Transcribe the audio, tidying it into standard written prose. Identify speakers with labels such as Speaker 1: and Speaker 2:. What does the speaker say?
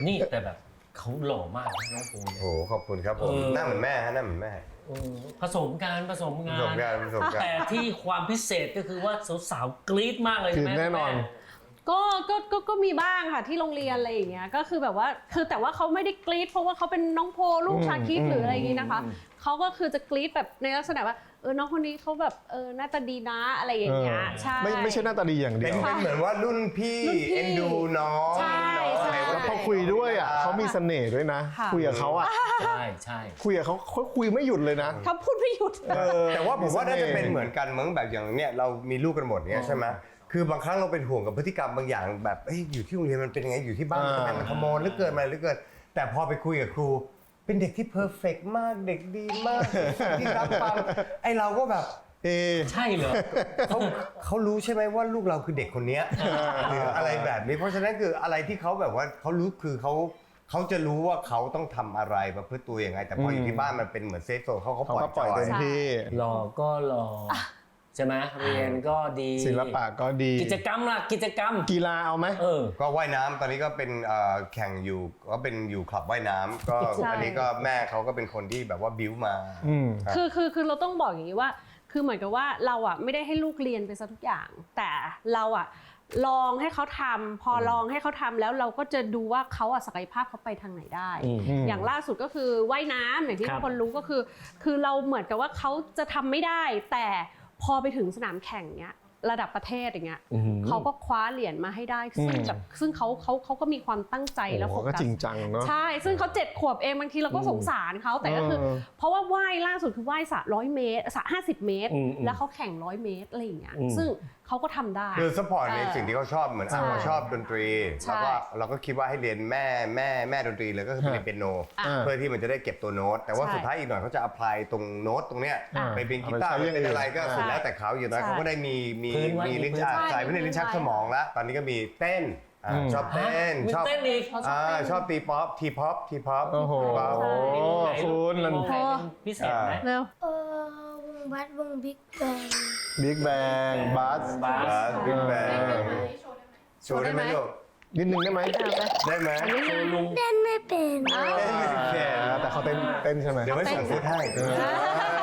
Speaker 1: นี่แต่แบบเขาหล่อมากน้องภูมิ
Speaker 2: โอ้ขอบคุณครับผมหน้าเหมือนแม่ฮะหน้าเหมือนแม่
Speaker 1: ผสมกันผสมงาน
Speaker 2: แต่
Speaker 1: แต่ที่ความพิเศษก็คือว่าสาวๆกรี๊ดมากเลยใช่ไหม
Speaker 3: แน่นอน
Speaker 4: ก็มีบ้างค่ะที่โรงเรียนอะไรอย่างเงี้ยก็คือแบบว่าคือแต่ว่าเขาไม่ได้กรี๊ดเพราะว่าเขาเป็นน้องโพลูกชาคิดหรืออะไรอย่างงี้นะคะเขาก็คือจะกรี๊ดแบบในลักษณะว่าน้องคนนี้เขาแบบหน้าตาดีนะอะไรอย่างเงี้ยใช่
Speaker 3: ไม่ใช่หน้าตาดีอย่างเดี
Speaker 2: เป็
Speaker 3: ย
Speaker 2: น
Speaker 3: ว
Speaker 2: เหมือนว่ารุ่นพี่เอ็นดูน้อง
Speaker 4: ใช่ใช่
Speaker 3: แล้วพอคุยด้วยอ่ะเขามีเสน่ห์ด้วยนะ คุยกับเขาอ่ะ
Speaker 1: ใช่ใช่
Speaker 3: คุยกับเขาคุยไม่หยุดเลยนะ
Speaker 4: เขาพูดไม่หยุด
Speaker 2: แต่ว่าผมว่าน่าจะเป็นเหมือนกันเหมือนแบบอย่างเนี้ยเรามีลูกกันหมดเนี้ยใช่ไหมคือบางครั้งเราเป็นห่วงกับพฤติกรรมบางอย่างแบบอยู่ที่โรงเรียนมันเป็นยังไงอยู่ที่บ้านมันเป็นขโมยหรือเกินมาหรือเกินแต่พอไปคุยกับครูเป็นเด็กที่เพอร์เฟกต์มากเด็กดีมากที่รับฟังไอเราก็แบบ
Speaker 1: ใช่เหรอ
Speaker 2: เขารู้ใช่ไหมว่าลูกเราคือเด็กคนนี้หรืออะไรแบบนี้เพราะฉะนั้นคืออะไรที่เขาแบบว่าเขารู้คือเขาจะรู้ว่าเขาต้องทำอะไรประพฤติตัวยังไงแต่พออยู่ที่บ้านมันเป็นเหมือนเซฟโซนเขาปล่อย
Speaker 3: ปล่อยเต็มที่
Speaker 1: หล่อก็หล่อใช่ไหมเรียนก็ดี
Speaker 3: ศิลปะก็ดี
Speaker 1: กิจกรรมล่ะกิจกรรม
Speaker 3: กีฬาเอาไหม
Speaker 2: ก็ว่ายน้ำตอนนี้ก็เป็นแข่งอยู่ก็เป็นอยู่คลับว่ายน้ำก็อันนี้ก็แม่เขาก็เป็นคนที่แบบว่าบิ้วมา
Speaker 4: คือเราต้องบอกอย่างนี้ว่าคือเหมือนกับว่าเราอ่ะไม่ได้ให้ลูกเรียนไปซะทุกอย่างแต่เราอ่ะลองให้เขาทำพอลองให้เขาทำแล้วเราก็จะดูว่าเขาอ่ะศักยภาพเขาไปทางไหนได้ อย่างล่าสุดก็คือว่ายน้ำอย่างที่ทุกคนรู้ก็คือเราเหมือนกับว่าเขาจะทำไม่ได้แต่พอไปถึงสนามแข่งเนี้ยระดับประเทศอย่างเงี้ยเขาก็คว้าเหรียญมาให้ได้ซึ่งเขาก็มีความตั้งใจแล้วโฟกัส
Speaker 3: ก็จริงจังเนาะ
Speaker 4: ใช่ซึ่งเขา7 ขวบเองบางทีเราก็สงสารเขาแต่ก็คือเพราะว่าว่ายล่าสุดคือว่ายสระ100 เมตรสระ50 เมตรแล้วเขาแข่ง100 เมตรอะไรอย่างเงี้ยซึ่งเขาก็ทำได้
Speaker 2: คือซัพพอร์ตในสิ่งที่เขาชอบเหมือนเขาชอบดนตรีแล้วก็เราก็คิดว่าให้เรียนแม่ดนตรีเลยก็คือไปเรียนเปียโนเพื่อที่มันจะได้เก็บตัวโน้ตแต่ว่าสุดท้ายอีกหน่อยเขาจะอัพพลายตรงโน้ตตรงเนี้ยไปเป็นกีตาร์เป็นอะไรก็สุดแล้วแต่เขาอยู่น้อยเขาก็ได้มีลิ้นชักใส่ไม่ได้ลิ้นชักสมองแล้วตอนนี้ก็มีเต้นชอบเต้นชอบชอบตีป๊อปทีป๊อป
Speaker 3: โอ้โหคุณ
Speaker 1: มันพิเศษไหม
Speaker 4: เร็ว
Speaker 5: วงบัสวงบิ๊กแบง
Speaker 3: บิ๊กแบงบัส
Speaker 2: บิ๊กแบงโชว์ได้ไหมลูก
Speaker 3: นิดนึงได้ไหม
Speaker 2: ได้ไหม
Speaker 5: เต้นไม่เป็น
Speaker 2: เต้นไม่เป็น
Speaker 3: แต่เขาเต้นใช่ไหม
Speaker 2: เดี๋ยวไม่ส่งฟุตให้